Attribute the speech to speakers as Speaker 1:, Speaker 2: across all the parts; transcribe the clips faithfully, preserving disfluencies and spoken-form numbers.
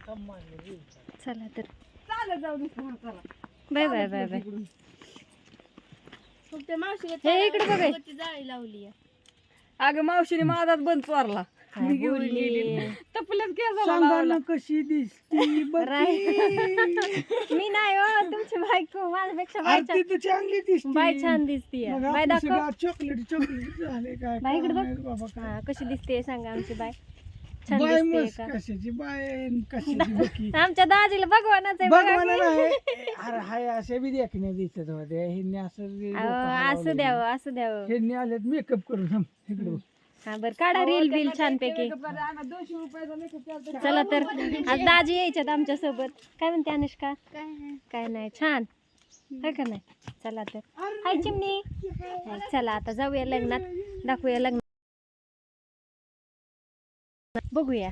Speaker 1: चला तर bye bye bye bye. हे इकडे बघाय जाळी लावली.
Speaker 2: अगं मावशीने माझाच बंद चोरला. मी घेऊन गेली तपल्याच केस कशी दिसती
Speaker 1: मी नाही हो तुमची बायको माझ्यापेक्षा
Speaker 2: चांगली दिसती.
Speaker 1: बाय छान दिसतीये. बाय दाखव
Speaker 2: चॉकलेट चॉकलेट झाले काय
Speaker 1: बाय इकडे बघ. हा कशी दिसते सांगा आमची बाय. छान दिसते का
Speaker 2: कशाची बाय कशाची बकी
Speaker 1: आमच्या दाजीला भगवानाच आहे बघा की.
Speaker 2: अरे हाय असे बी देखणे दिसत होते. ह्यांनी असं
Speaker 1: असं द्यावं असं द्यावं.
Speaker 2: ह्यांनी आलेत मेकअप करून इकडे.
Speaker 1: हा बर काढा रील बिल छान पैकी. चला तर आज दाजी यायच्यात आमच्या सोबत. काय म्हणते अनुष्का? काय नाही छान काय का नाही. चला तर हाय चिमणी. चला आता जाऊया लग्नात दाखवूया लग्नात बघूया.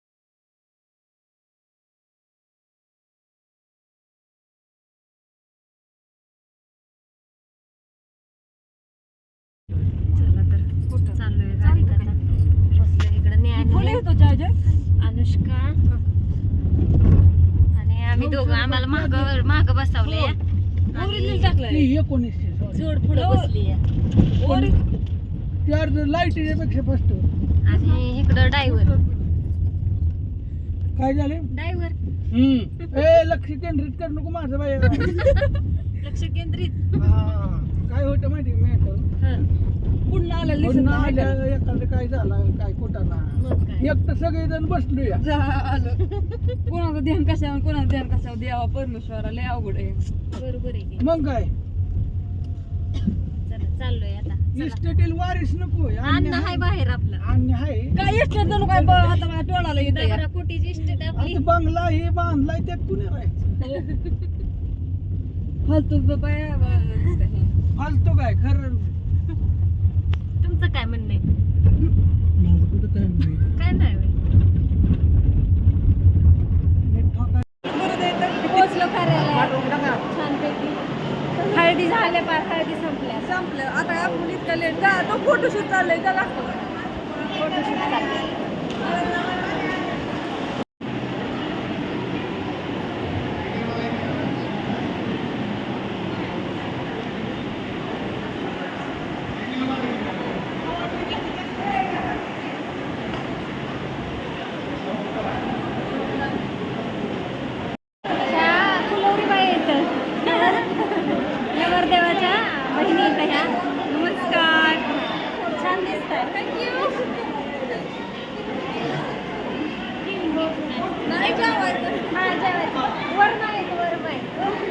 Speaker 1: चला तर कुठं चाललोय गाडीत आता. बसलो इकडे न्याय अनुष्का आणि आम्ही दोघं आम्हाला माग माग बसवले. जोड पुढे बसली
Speaker 2: लाईटीच्या फर्स्ट
Speaker 1: आणि इकडं ड्रायव्हर.
Speaker 2: काय झाले
Speaker 1: ड्रायव्हर
Speaker 2: ए लक्ष केंद्रित कर नको माझं बाई.
Speaker 1: लक्ष केंद्रित
Speaker 2: काय होतं माहिती मी पुन्हा आलं एखादं काय झालं काय कोटाना एक तर सगळेजण बसलो या
Speaker 3: कोणाचं ध्यान कशावर कोणाचं ध्यान कशावर द्यावा परमेश्वराला अवघड आहे.
Speaker 1: बरोबर आहे.
Speaker 2: मग काय
Speaker 1: चला चाललोय आता.
Speaker 2: इस्टेटील वारीस नको
Speaker 1: अन्न हाय बाहेर आपलं.
Speaker 2: आणि हाय
Speaker 3: काय इष्ट जणू काय ब- आता माझ्या टोळाला येत
Speaker 1: दगडा कोटीची इस्टेट आपली.
Speaker 2: आता बंगला हे बांधलाय त्यात कुणी राहायचं
Speaker 3: फालतू बाया
Speaker 2: फालतो काय खरं.
Speaker 1: तुमचं काय म्हणणं आहे?
Speaker 2: माझं कुठं काय नाही.
Speaker 1: काय नाही होय. पोचलो कार्यालयात छानपैकी. हळदी झाल्या पार हळदी संपल्या.
Speaker 3: संपलं आता आपण इतकं लेट का तो फोटोशूट चाललंय का दाखव.
Speaker 1: फोटोशूट चाललंय. नवरदेवाच्या बहिणी येत ह्या. नमस्कार. छान दिसताय. थँक्यू.
Speaker 3: नाही जेवायचं.
Speaker 1: हा जेवायचं. वर नाही वर नाही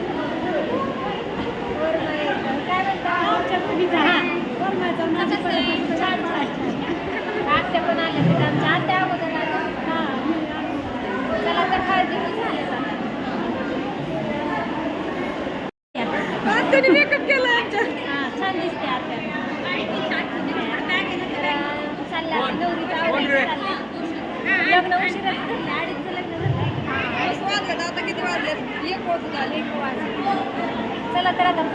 Speaker 1: वर नाही. काय म्हणता आमच्या मुलीचा हा वर नाही छान छान छान. आत्या पण आल्या तिथं आमच्या आत्या अगोदर आल्या. हा चला तर हळदी झाले.
Speaker 3: त्यांनी मेकअप केला आमच्या.
Speaker 1: हा छान दिसते आत्या. चालल्या नवरीचं आवडीचं चाललंय. लग्न उशिरा झालं. अडीचचं लग्न झालं.
Speaker 3: आता किती वाजले? एक वाजून आले.
Speaker 1: एक वाजले. चला तर आता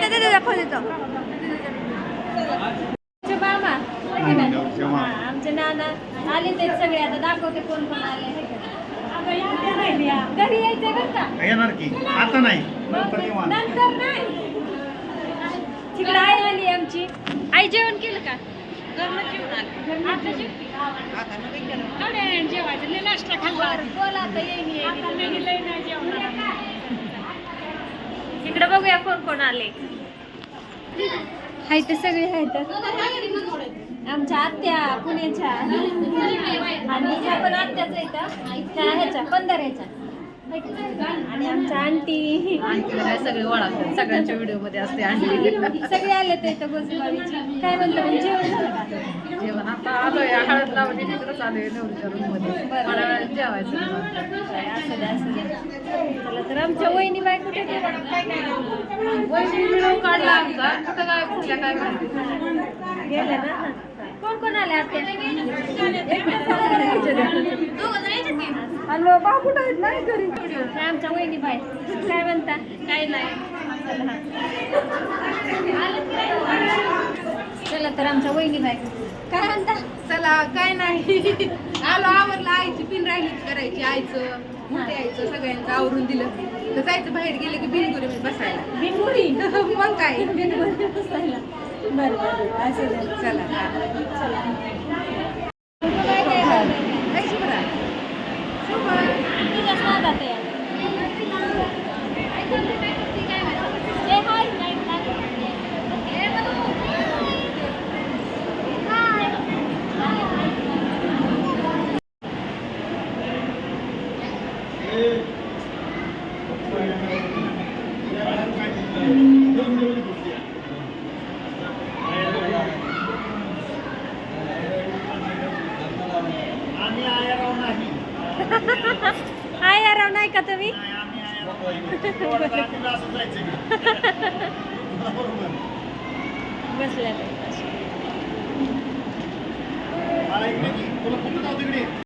Speaker 1: मामा आमचे नाना आले ते सगळे. आता दाखवते कोण कोण आले. घरी यायचंय बरं का.
Speaker 4: येणार की आता नाही
Speaker 1: नंतर नाही. तिकडे आई आली आमची. आई जेवण केलं का?
Speaker 3: घरनं जेवण आले.
Speaker 1: आता जेवते.
Speaker 3: थोड्या जेवायचं लय नाश्ता खाल्ला.
Speaker 1: बोला आता येईन येईन.
Speaker 3: लय नाही जेवणार.
Speaker 1: इकडे बघूया कोण कोण आले. हाय ते सगळे आहेत. आमच्या आत्या पुण्याच्या आणि ह्या पण आत्याच आहेत. त्या ह्याच्या पंधराच्या आणि आमच्या आंटी
Speaker 3: सगळे ओळख सगळ्यांच्या व्हिडिओ मध्ये असते. आणि
Speaker 1: सगळे आले ते इथं गोसेगावीची. काय म्हणतो मग जेवण झालं का?
Speaker 3: जेवण आता आलोय. हळद लावली तिकडंच आलोय नवरीच्या रूम मध्ये. मला जेवायचं.
Speaker 1: असं द्या असं द्या. चला तर आमच्या वहिनी बाय कुठे गेल्या?
Speaker 3: वहिनी व्हिडिओ काढला आमचा. कुठं काय कुठल्या काय माहिती.
Speaker 1: गेल्या ना. कोण कोण आले आत्या?
Speaker 3: आणि बाबा कुठं आहेत नाही घरी.
Speaker 1: हे आमच्या वहिनी बाय. काय म्हणता? काय नाही. चला तर आमच्या वहिनी बाय काय म्हणता?
Speaker 3: चला काय नाही. आलो आवरला. आईची पिन राहिली करायची आईचं मोठे आईचं सगळ्यांचं आवरून दिलं तर जायचं बाहेर गेलं की बिनगुरी बसायला
Speaker 1: बिनगुरी
Speaker 3: मग काय
Speaker 1: बिनगुरी बसायला. बरं बरं असं झालं.
Speaker 3: चला हा.
Speaker 1: चला. तुझं काय काय झालं?
Speaker 3: काय शुभ्रा?
Speaker 1: तुझ्याच नादात आहे. Say hi. हाय यार नाही का तुम्ही बसल्या